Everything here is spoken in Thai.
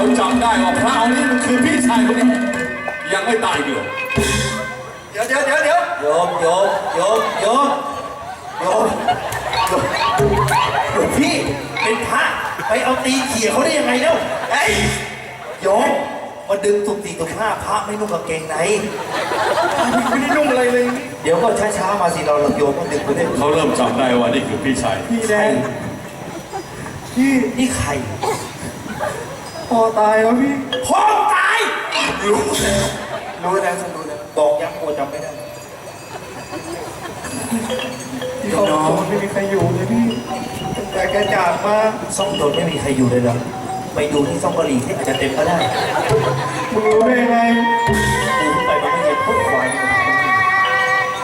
จับได้ว่าพระองค์นี้มันคือพี่ชายคนนี้ยังไม่ตายเดียวเดี๋ยวโยมพี่เป็นพระไปเอาตีเขี่ยเขาได้ยังไงเล่าไอ้โยมมาดึงตุกตีตุกผ้าพระไม่นุ่งกางเกงในไม่ได้นุ่งอะไรเลยเดี๋ยวก็ช้าๆมาสิเราโยมก็ดึงไปได้เขาเริ่มจำได้ว่านี่คือพี่ชายพี่แดงพี่นี่ใครพ่อตายแล้วพี่พ่อตายรู้แล้วบอกยังโอจำไม่ได้พี่น้องไม่มีใครอยู่เลยพี่แต่แกจากมาซ่องโดนไม่มีใครอยู่เลยเหรอไปดูที่ซ่องกะหรี่ที่อาจจะเต็มก็ได้มึงรู้ได้ไงดูไปมันไม่เห็นพวกควาย